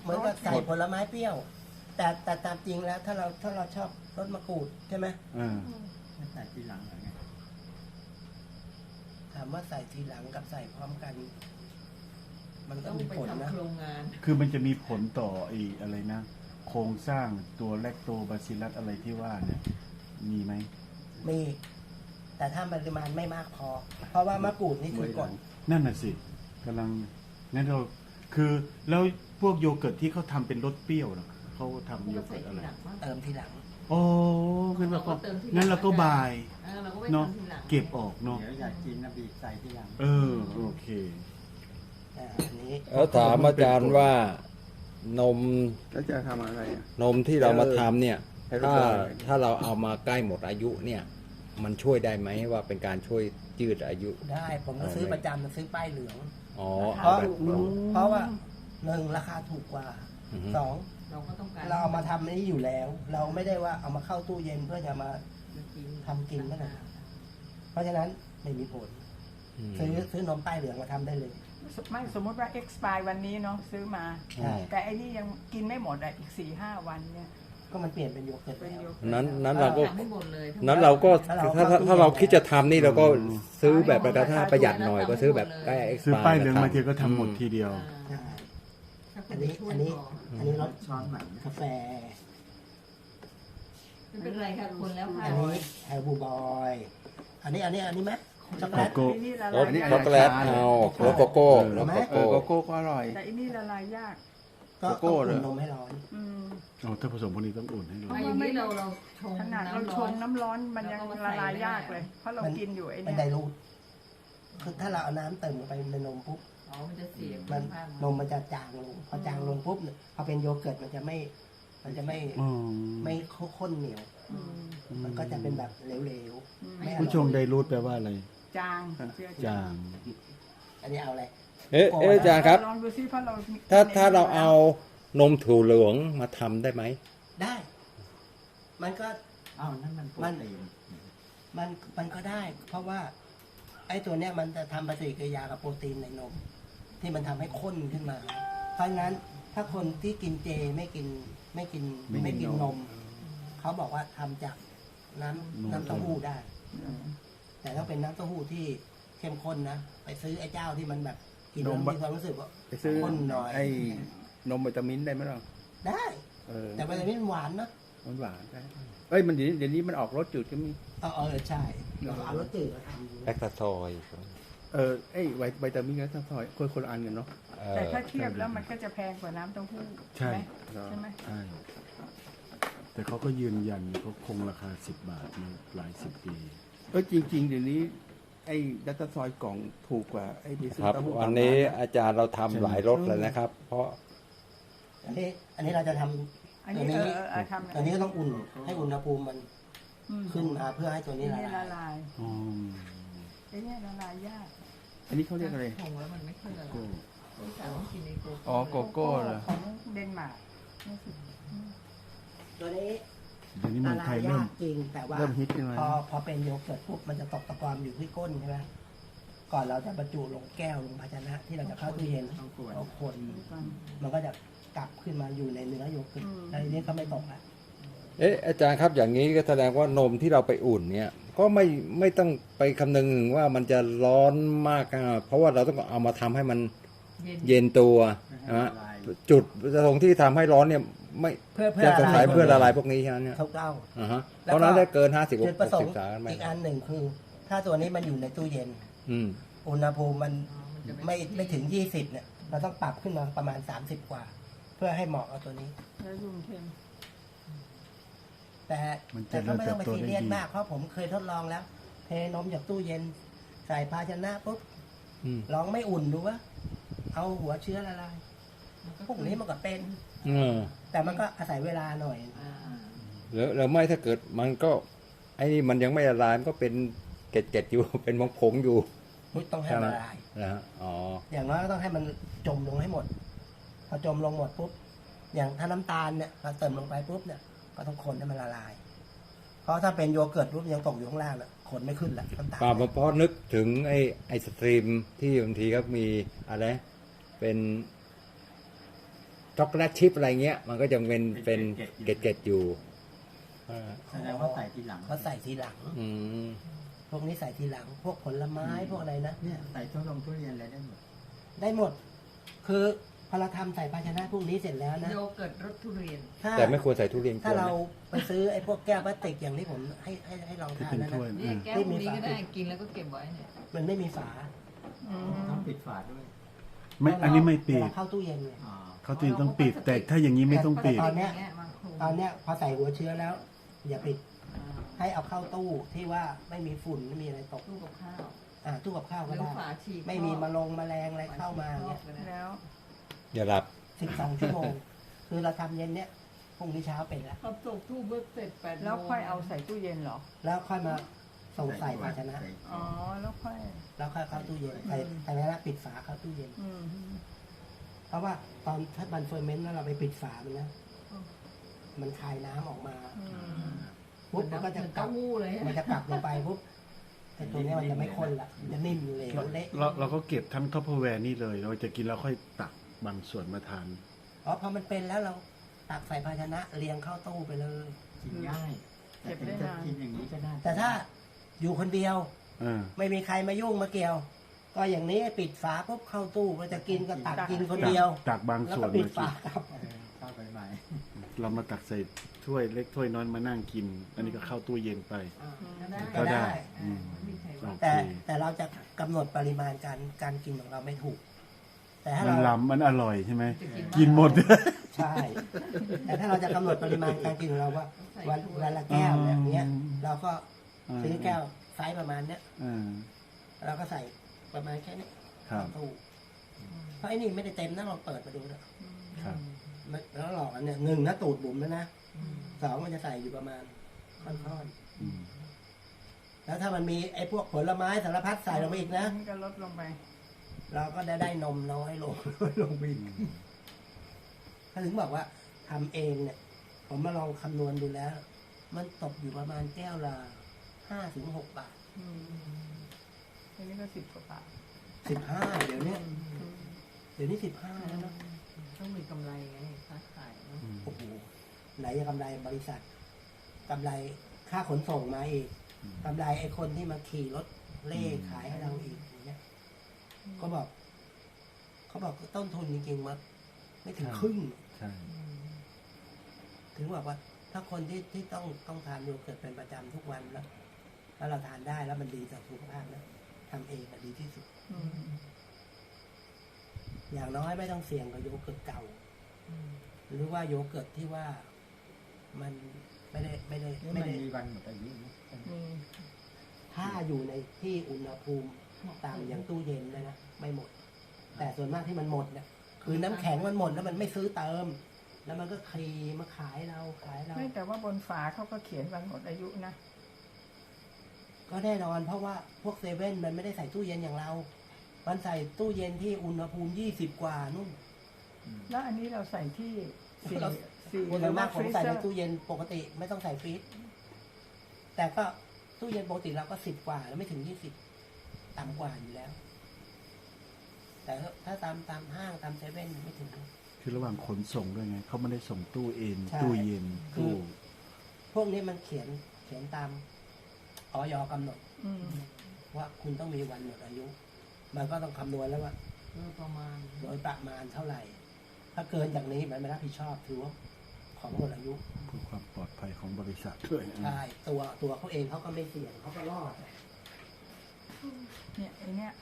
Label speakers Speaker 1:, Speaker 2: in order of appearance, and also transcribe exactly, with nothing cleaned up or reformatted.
Speaker 1: เหมือนกับใส่ผลไม้เปรี้ยว แต่แต่ตามจริงแล้วถ้าเราถ้าเราชอบรสมะกรูดใช่ไหม
Speaker 2: อ่า
Speaker 3: ใส่ทีหลังเหรอไง
Speaker 1: ถามว่าใส่ทีหลังกับใส่พร้อมกัน มันก็
Speaker 4: ต้อง
Speaker 1: มี
Speaker 4: ไป
Speaker 1: ผลนะ
Speaker 4: ทำโครงงาน
Speaker 2: คือมันจะมีผลต่อไอ้อะไรนะ โครงสร้างตัวแลคโตบาซิลลัสอะไรที่ว่าเนี่ย มีไหม
Speaker 1: มี แต่ถ้าปริมาณไม่มากพอ เพราะว่ามะกรูดนี่คือกรด
Speaker 2: นั่นน่ะสิกำลังงั้นเราคือแล้วพวกโยเกิร์ตที่เขาทำเป็นรสเปรี้ยวเหรอเขาทำโย
Speaker 4: ก็
Speaker 2: เกิ
Speaker 4: ใส่
Speaker 2: ร์ตอะ
Speaker 4: ที
Speaker 2: ไร
Speaker 4: หลังมั้ง
Speaker 1: เติมทีหลัง
Speaker 2: โอ้งั้นเราก็
Speaker 4: เราก็เติมทีหลัง
Speaker 2: งั้นเราก็บาย
Speaker 4: เออเราก็ไป
Speaker 2: เนาะ
Speaker 4: ทำทีหลัง
Speaker 2: เก็บออกเนาะ
Speaker 3: เดี๋ยวอยากกินนะบีบใส่ทีหลัง
Speaker 2: เออโอเค
Speaker 1: อ่าอันนี้
Speaker 5: แล้วถามอาจารย์ว่านม
Speaker 6: แล้วจะทำอะไรอ่ะ
Speaker 5: นมที่เรามาทำเนี่ย
Speaker 6: ให้รู้
Speaker 5: ถ้า
Speaker 6: ว่า
Speaker 5: ถ้าเราเอามาใกล้หมดอายุเนี่ย มันช่วยได้ไหมว่าเป็นการช่วยยืดอายุ
Speaker 1: ได้ผมก็ซื้อประจำซื้อป้ายเหลือง
Speaker 5: อ๋อ
Speaker 1: เพ
Speaker 5: เอา
Speaker 1: ราะ
Speaker 5: แบบ
Speaker 1: เพราะว่าหนึ่งราคาถูกกว่า
Speaker 5: อือฮึ
Speaker 1: สอง
Speaker 4: เราก็ต้องการ
Speaker 1: เราเอามาทำนี้อยู่แล้ว เราไม่ได้ว่าเอามาเข้าตู้เย็นเพื่อจะมา ทำกินไม่ได้ เพราะฉะนั้นไม่มีผล
Speaker 5: อืม
Speaker 1: ซื้อซื้อนมป้ายเหลืองมาทำได้เลย
Speaker 7: ไม่สมมติว่า expire วันนี้เนาะซื้อมา
Speaker 1: ใช่
Speaker 7: แต่ไอ้นี่ยังกินไม่หมดอ่ะอีกสี่ห้าวันเนี่ย
Speaker 1: ก็มันเปลี่ยนเป็นโยเกิร์ต
Speaker 7: เป็น
Speaker 1: แล้ว
Speaker 7: โย
Speaker 5: นั้นนั้นเราก็
Speaker 4: ทำให้หมดเลย
Speaker 5: นั้นเราก็
Speaker 1: ถ้าเรา
Speaker 5: ถ้าถ้า
Speaker 1: เข้าตู้
Speaker 5: ถ้าเรา
Speaker 1: เย็น
Speaker 5: คิดจะทำนี่เราก็
Speaker 2: อืม
Speaker 5: ซื้อแบบประกันถ้าประหยัดหน่อยก็ซื้อแบบใกล้
Speaker 2: ซื้อ
Speaker 5: expire
Speaker 2: ป้ายเหลืองมาที
Speaker 5: ทำ
Speaker 2: ก็ทำหมดทีเดียว
Speaker 1: ใช่
Speaker 4: ถ้าค
Speaker 1: อั
Speaker 4: น
Speaker 1: น
Speaker 4: จะ
Speaker 1: นี้
Speaker 4: ช่วย
Speaker 1: อันนี้
Speaker 4: พอ
Speaker 1: อันนี้รส
Speaker 3: ช้อนใหม่นะ
Speaker 1: กาแฟ
Speaker 4: ไม่เป็นไรค่ะคนแล้วค่ะ
Speaker 1: อันนี้แฮร์บูบอย อันนี้อันนี้อันนี้ไหมช็อกโกแลต
Speaker 2: โก
Speaker 7: ไอ้นี่ละ
Speaker 5: ร
Speaker 7: ลา
Speaker 5: ส
Speaker 7: ยยา
Speaker 5: ช็อก
Speaker 7: ก
Speaker 5: โกแลตเอารสโกโก้รสโก
Speaker 6: เออ
Speaker 5: โก้
Speaker 6: โกโก้ก็อร่อย
Speaker 7: แต่อันนี้ละลายยาก
Speaker 1: ก็
Speaker 6: โกโก้
Speaker 1: ต้อง
Speaker 6: เหรอ
Speaker 1: อุ่นนมให้ร้อน
Speaker 7: อืม
Speaker 2: อ๋อถ้าผสมพวกนี้ต้องอุ่นให้ร้อน
Speaker 4: ไม่อย่างนี้เราเราชง
Speaker 7: ขนาดเรา
Speaker 4: น้ำ
Speaker 7: ช
Speaker 4: ร้อง น
Speaker 7: น้ำร้อนมันยังละลายยากเลย เพราะเรา
Speaker 1: มัน
Speaker 7: กินอยู่ไอ้
Speaker 1: มัน
Speaker 7: เนี่
Speaker 1: ได
Speaker 7: ย
Speaker 1: รูทคือถ้าเราเอาน้ำเติมลงไปในนมปุ๊บ
Speaker 4: อ๋อมันจะเสีย
Speaker 1: มัน
Speaker 4: ภาพ
Speaker 1: นมมันจะจางลง พอจางลงปุ๊บเนี่ยพอเป็นโยเกิร์ตมันจะไม่ มันจะไม่
Speaker 2: อ๋อ
Speaker 1: ไม่ข้นเหนียว
Speaker 7: อืม
Speaker 1: มันก็จะเป็นแบบเหลว
Speaker 7: อืม
Speaker 1: ๆ ไม่อ
Speaker 2: ผู้ช
Speaker 1: ร่
Speaker 2: ง
Speaker 1: อย
Speaker 2: ไดรูทแปลว่าอะไร
Speaker 7: จางเจือ
Speaker 2: จาง
Speaker 1: อันนี้เอาอะไร
Speaker 5: เอ๊ะเอ๊ะอาจารย์ครับ
Speaker 7: ลองดูซิเพราะเรา
Speaker 5: ถ้าถ้าเราเอานมถั่วเหลืองมาทำได้ไหม
Speaker 1: ได้ มันก็
Speaker 3: อ้าวนั่นมันโปรตีน
Speaker 1: มันมันก็ได้ เพราะว่า ไอ้ตัวเนี้ยมันจะทำปฏิกิริยากับโปรตีนในนม ที่มันทำให้ข้นขึ้นมา เพราะฉะนั้นถ้าคนที่กินเจไม่กินไม่กิน
Speaker 2: ไม่กิน
Speaker 1: ไม่กิน
Speaker 2: น
Speaker 1: น
Speaker 2: ม
Speaker 1: ม เขาบอกว่าทำจากน้ำ
Speaker 2: นม
Speaker 1: น้ำเต้าหู้ได้ แต่ถ้าเป็นน้ำเต้าหู้ที่เข้มข้นนะไปซื้อไอ้เจ้าที่มันแบบกินแล้ว
Speaker 6: นม
Speaker 1: มีความรู้สึกว่า
Speaker 6: ไปซื้อ
Speaker 1: ข้นหน่อย
Speaker 6: ไอ้นมวิตามินได้ไหมล่ะ
Speaker 1: ได้
Speaker 6: เออ
Speaker 1: แต่มันจะไม่หวานนะ
Speaker 6: มันหวานได้เอ้ยมันเดี๋ยวนี้เดี๋ยวนี้มันออกรสจืดก็มี
Speaker 1: เออเออใช่เราเอารสจืดมาทำ
Speaker 5: แลคตาซอยด์
Speaker 6: เออไอ้ไววิตามินกับทั้งซอยคนคนละอันกันเนาะ
Speaker 5: เออ
Speaker 7: แต่ถ้าเทียบแล้วมันก็จะแพงกว่าน้ำเต้าหู้
Speaker 2: ใช่
Speaker 7: ไหมใช่ไหม
Speaker 2: ใช่ แต่เขาก็ยืนยันเขาคงราคาสิบบาทมาหลายสิบปี
Speaker 6: เออจริง ๆ เดี๋ยวนี้ ไอ้ดัตต้าซอยกล่องถูกกว่าไอ้ที่ซื้อ
Speaker 5: ครับ
Speaker 6: เต้าหู้
Speaker 5: วันนี้
Speaker 6: ตามร้าะ
Speaker 5: อาจารย์เราทำหลายรสเลยนะครับ เพราะ
Speaker 1: อันนี้อันนี้เราจะทำ
Speaker 7: อัน
Speaker 1: ตัว
Speaker 7: นี้
Speaker 1: นี้
Speaker 7: เออเออทำ
Speaker 1: ตัวนี้ก็ต้องอุ่นให้อุณหภูมิมัน
Speaker 7: อืม
Speaker 1: ขึ้นมาเพื่อให้ตัวนี้
Speaker 7: อัน
Speaker 1: ละ
Speaker 7: นี้ละ
Speaker 1: ลาย
Speaker 7: ลาย
Speaker 2: อ๋อ
Speaker 7: ไอ้เนี่ยละลายยาก
Speaker 6: อันนี้เขาเรียกอะไร
Speaker 4: ชงแล้วมันไม่ค่อยละลาย
Speaker 2: โก้
Speaker 4: พี่สาวต้องกินในโกโก้
Speaker 6: อ๋อโกโก้เหรอ
Speaker 7: ของเดนมาร์กรู้สึก
Speaker 1: ตัวนี้
Speaker 2: เดี๋ยวนี้เมื
Speaker 1: ละ
Speaker 2: องไท
Speaker 1: ลาย
Speaker 2: ยเริ่
Speaker 1: ยาม กจริงแต่ว่า
Speaker 6: เริ่มฮิตขึ้นมา
Speaker 1: พอพอเป็นโยเกิร์ตปุ๊บมันจะตกตะกอนอยู่ที่ก้นใช่ไหมก่อนเราจะบรรจุลงแก้วลงภาชนะ ที่เราจะเข้าตู้เย็น
Speaker 3: ต้องกวน
Speaker 1: เอาคน
Speaker 7: ก่อน
Speaker 1: มันก็จะกลับขึ้นมาอยู่ในเนื้อโยเกิร์ต
Speaker 7: อืม
Speaker 1: แล้วทีนี้ก็ไม่ตกละ
Speaker 5: เอ๊ะอาจารย์ครับอย่างนี้ก็แสดงว่านมที่เราไปอุ่นเนี่ย ก็ไม่ไม่ต้องไปคำนึงถึงว่ามันจะร้อนมากอ่ะเพราะว่าเราต้องเอามาทำให้มัน
Speaker 4: เย็น
Speaker 5: เย็นตัวนะ
Speaker 3: ละ
Speaker 5: ฮะ
Speaker 3: ลาย
Speaker 5: จุดตรงที่ทำให้ร้อนเนี่ยไม่
Speaker 1: เพื่อเพื่อ
Speaker 5: จะสงสัย
Speaker 1: อะไร
Speaker 5: เพื่อละลายพวกนี้ใช่ไหมเนี่ย
Speaker 1: เขาเก้า
Speaker 5: อ่าฮะ
Speaker 1: แล้วก็
Speaker 5: เพราะฉะนั้นถ้าเกินห้าสิบห
Speaker 1: จุดประ
Speaker 5: ก
Speaker 1: สง
Speaker 5: สิบ
Speaker 1: ค์
Speaker 5: สามไม่
Speaker 1: อีกอันหนึ่งคือ ถ้าตัวนี้มันอยู่ในตู้เย็น
Speaker 5: อืม
Speaker 1: อุณหภูมิมัน
Speaker 4: อ๋อมันจะ
Speaker 1: ไม่ไม่ถึงยี่สิบเนี่ย เราต้องปรับขึ้นมาประมาณสามสิบกว่า เพื่อให้เหมาะกับตัวนี้
Speaker 7: แล้วยุงเค็ม
Speaker 1: แต่
Speaker 2: มันจะ
Speaker 1: แต่ก็ไม่ต้องไป
Speaker 2: เริ่มเติบโต
Speaker 1: ซีเรียส
Speaker 2: ได้ดี
Speaker 1: มากเพราะผมเคยทดลองแล้ว เทนมจากตู้เย็น ใส่ภาชนะปุ๊บ
Speaker 5: อืม
Speaker 1: ลองไม่อุ่นดูว่าเอาหัวเชื้อละลายพวกนี้มันก็เป็น
Speaker 5: เออ
Speaker 1: แต่มันก็อาศัยเวลาหน่อย
Speaker 4: อ่า
Speaker 5: แล้วแล้วไม่ถ้าเกิดมันก็ไอ้นี่มันยังไม่ละลายมันก็เป็นเกล็ดๆอยู่ เป็นผงๆอยู่
Speaker 1: อุ๊ยต้องให้
Speaker 5: ใช่ไหม
Speaker 1: ละลาย
Speaker 5: นะฮะอ๋อ
Speaker 1: อย่างน้อยก็ต้องให้มันจมลงให้หมด พอจมลงหมดปุ๊บ อย่างถ้าน้ำตาลเนี่ยเราเติมลงไปปุ๊บเนี่ย ก็ต้องคนให้มันละลาย เพราะถ้าเป็นโยเกิร์ตปุ๊บยังตกอยู่ข้างล่างน่ะคนไม่ขึ้นแหละน้ำตาล
Speaker 5: ป่าเพราะนึกถึงไอ้ไอศตรีมที่บางทีก็มีอะไรเป็นช็อกโกแลตชิพอะไรเงี้ย มันก็จะเป็นเป็นเกล็ดๆอยู่อ่า
Speaker 3: แสดงว่าใส่ทีหลัง
Speaker 1: เขาใส่ทีหลัง
Speaker 5: อืม
Speaker 1: พวกนี้ใส่ทีหลัง พวกผลไม้พวกอะไรนะ
Speaker 3: เนี่ยใส่ทุลงทุเรียนอะไรได้หมด
Speaker 1: ได้หมด คือพอเราทำใส่ภาชนะพวกนี้เสร็จแล้วนะ
Speaker 4: โยเกิร์ตรสทุเรียน
Speaker 1: ถ้า
Speaker 5: แต่ไม่ควรใส่ทุเรียนก
Speaker 1: ถ้า
Speaker 5: วน
Speaker 1: เรา
Speaker 5: นะ
Speaker 1: ไปซื้อไอ้พวกแก้วพลาสติกอย่างที่ผมให้ให้ให้ลอง
Speaker 2: ที่
Speaker 1: ทาน
Speaker 2: เป็น
Speaker 1: นั่น
Speaker 2: ถ้วย
Speaker 1: นะ
Speaker 4: นี่
Speaker 2: อืม
Speaker 4: แก้วพวกนี้ก็ได้กินแล้วก็เก็บไว้เนี่ย
Speaker 1: มันไม่มีฝา
Speaker 7: อืม
Speaker 3: ต้องปิดฝาด้วย
Speaker 2: ไม่อันนี้ไม่ปิ
Speaker 1: เว
Speaker 2: ด
Speaker 1: ลาเข้าตู้เย็นเนี่ย
Speaker 3: อ๋อ
Speaker 2: เขาตีต้องปิด แต่ถ้าอย่างนี้ไม่ต้องปิด
Speaker 1: ตอนเนี้ย
Speaker 4: มาคลุม
Speaker 1: ตอนเนี้ยพอใส่หัวเชื้อแล้ว อย่าปิด
Speaker 4: อ่า
Speaker 1: ให้เอาเข้าตู้ที่ว่าไม่มีฝุ่นไม่มีอะไรตก
Speaker 4: ตู้กับข้าว
Speaker 1: อ่าตู้กับข้าว
Speaker 4: ห
Speaker 1: ก็
Speaker 4: รือ
Speaker 1: ได้
Speaker 4: ฝาฉีก
Speaker 1: ไม่มีมาลงแมลงอะไรเข้ามาเนี่ย
Speaker 7: แล้ว
Speaker 5: อย่าหลับ
Speaker 1: สิบสองชั่วโมง คือเราทำเย็นเนี้ยพรุ่งนี้เช้าเป็นแล้ว
Speaker 4: พอตกตู้เบิกเสร็จแปดโมง
Speaker 7: แล้วค่อยเอาใส่ตู้เย็นเหรอ
Speaker 1: แล้วค่อยมาส่งใส่ภาชนะ
Speaker 3: ใส่
Speaker 7: อ๋อ แล้วค่อย
Speaker 1: แล้วค่อยเข้าตู้เย็นใส่ใส่ภาชนะปิดฝาเข้าตู้เย็น
Speaker 7: อืม
Speaker 1: เพราะว่าตอนถ้ามันเฟอร์เมนต์แล้วเราไปปิดฝามันนะ มันคายน้ำออกมา
Speaker 7: อืม
Speaker 1: ปุ๊บมันก็จะ
Speaker 4: เหมือน
Speaker 1: กลั
Speaker 4: เต้า
Speaker 1: บ
Speaker 4: หู้เลย
Speaker 1: มันจะกลับลงไปปุ๊บไอ้ตัวเนี้ยมันจะไม่ข้นละมันจะนิ่มเหลวเละ
Speaker 2: เราเราก็เก็บทั้งท็อปเปอร์แวร์นี่เลย เราจะกินแล้วค่อยตักบางส่วนมาทาน
Speaker 1: อ๋อพอมันเป็นแล้วเราตักใส่ภาชนะเรียงเข้าตู้ไปเลย
Speaker 3: กินง่ายแต่ถึงจะกินอย่างนี้ก็ได้
Speaker 1: แต่ถ้าอยู่คนเดียว
Speaker 2: เออ
Speaker 1: ไม่มีใครมายุ่งมาเกี่ยว ก็อย่างนี้ปิดฝาปุ๊บเข้าตู้มันจะกินก็ตักกินคนเดียว
Speaker 2: ตักบาง
Speaker 1: แล้ว
Speaker 2: ส่ว
Speaker 1: ก็
Speaker 2: น
Speaker 1: ปิด
Speaker 2: มากิ
Speaker 1: ฝาน ครับ
Speaker 3: เออเข้าไปใหม่
Speaker 2: เรามาตักใส่ถ้วยเล็กถ้วยน้อยมานั่งกิน อันนี้ก็เข้าตู้เย็นไป
Speaker 1: ก็ได้
Speaker 2: อืม
Speaker 4: ไม่ใช่
Speaker 2: โอ
Speaker 4: ว่า
Speaker 2: เค
Speaker 1: แต่แต่เราจะกำหนดปริมาณการการกินของเราไม่ถูก แต่ถ้า
Speaker 2: มัน
Speaker 1: เรา
Speaker 2: ล้ำมันอร่อยใช่ไหม
Speaker 4: จะกิน
Speaker 2: กินหมด
Speaker 1: ใช่ แต่ถ้าเราจะกำหนดปริมาณการกินของเราว่าวันวันละแก้วแบบเนี้ย เราก็ซื้อแก้วไซส์ประมาณเนี้ย
Speaker 2: เออ
Speaker 1: เราก็ใส่ประมาณแค่นี้
Speaker 2: ครับ
Speaker 1: ตู้เพราะไอ้นี่ไม่ได้เต็มนะลองเปิดมาดูนะครับ มันแล้วหลอกอันเนี่ยหนึ่งนะตูดบุ๋มแล้วนะสองมันจะใส่อยู่ประมาณค่อน
Speaker 2: อืม
Speaker 1: ๆแล้วถ้ามันมีไอ้พวกผลไม้สารพัดใส่ลงไปอีกนะ
Speaker 7: นี่ก็ลดลงไป
Speaker 1: เราก็ได้ได้นมน้อยลง ลงไปอีกถ้าถึงบอกว่าทำเองเนี่ย ผมมาลองคำนวณดูแล้ว มันตกอยู่ประมาณแก้วละห้าถึงหกบาท
Speaker 7: อืมอันนี้ก็สิบกว่าบาท
Speaker 1: สิบห้าเดี๋ยวนี้เดี๋ยวนี้สิบห้าแล้วเนอะ
Speaker 4: ต้องมีกำไรไงค้าขายเนอะ
Speaker 2: อืม
Speaker 1: โอ้โหไหนจะกำไรบริษัทกำไรค่าขนส่งมาอีกกำไรไอ้คนที่มาขี่รถเล่ขายให้เราอีกอย่างเงี้ยเขาบอก เขาบอกต้นทุนจริงๆมาไม่ถึงครึ่ง
Speaker 2: ใช่
Speaker 1: ถึงบอกว่า ถ้าคนที่ที่ต้องต้องทานโยเกิร์ตเป็นประจำทุกวันแล้วแล้วเราทานได้แล้วมันดีต่อสุขภาพนะทำเองอะดีที่สุด
Speaker 7: อืม
Speaker 1: อย่างน้อยไม่ต้องเสี่ยงกับโยเกิร์ตเก่า หรือว่าโยเกิร์ตที่ว่ามันไม่ได้ไม่ได้
Speaker 3: นี่
Speaker 1: ไม่
Speaker 3: มัน
Speaker 1: ได้
Speaker 3: มีวันหมดอายุไหม
Speaker 7: มี
Speaker 1: ถ้าอยู่ในที่อุณหภูมิต่ำอย่างตู้เย็นนะนะไม่หมด แต่ส่วนมากที่มันหมดเนี่ยคือน้ำแข็งมันหมดแล้วมันไม่ซื้อเติม แล้วมันก็คลีมาขายเราขายเรา
Speaker 7: ไม่แต่ว่าบนฝาเขาก็เขียนวันหมดอายุนะ
Speaker 1: ก็แน่นอนเพราะว่าพวกเซเว่นมันไม่ได้ใส่ตู้เย็นอย่างเรา มันใส่ตู้เย็นที่อุณหภูมิยี่สิบกว่านู่น
Speaker 7: แล้วอันนี้เราใส่ที่สี่
Speaker 1: เรา
Speaker 7: สี่
Speaker 1: ส่วน
Speaker 7: หรือ
Speaker 1: มา
Speaker 7: ว่าก
Speaker 1: ผ
Speaker 7: ฟ
Speaker 1: ม
Speaker 7: รี
Speaker 1: ใส่
Speaker 7: เซ
Speaker 1: ใน
Speaker 7: อร์
Speaker 1: ตู้เย็นปกติไม่ต้องใส่ฟรีซแต่ก็ตู้เย็นปกติเราก็สิบกว่าแล้วไม่ถึงยี่สิบต่ำกว่าอยู่แล้ว แต่ถ้าตามตามห้างตามเซเว่นไม่ถึง
Speaker 2: คือระหว่างขนส่งด้วยไง เขาไม่ได้ส่งตู้เอง
Speaker 1: ใช่
Speaker 2: ตู้เย็น
Speaker 1: คือ
Speaker 2: ตู้
Speaker 1: พวกนี้มันเขียนเขียนตามออยกำหนด
Speaker 7: อืม
Speaker 1: ว่าคุณต้องมีวันหมดอายุ มันก็ต้องคำนวณแล้วว่า
Speaker 4: โดยประมาณ
Speaker 1: โดยประมาณเท่าไหร่ ถ้าเกินจากนี้มันไม่รับผิดชอบถือว่าของหมดอายุ
Speaker 2: เพื่อความปลอดภัยของบริษัทด้วย
Speaker 1: ใช่ตัวตัวเขาเองเขาก็ไม่เสี่ยงเขาก็รอด
Speaker 7: เนี่ยไอเนี้ย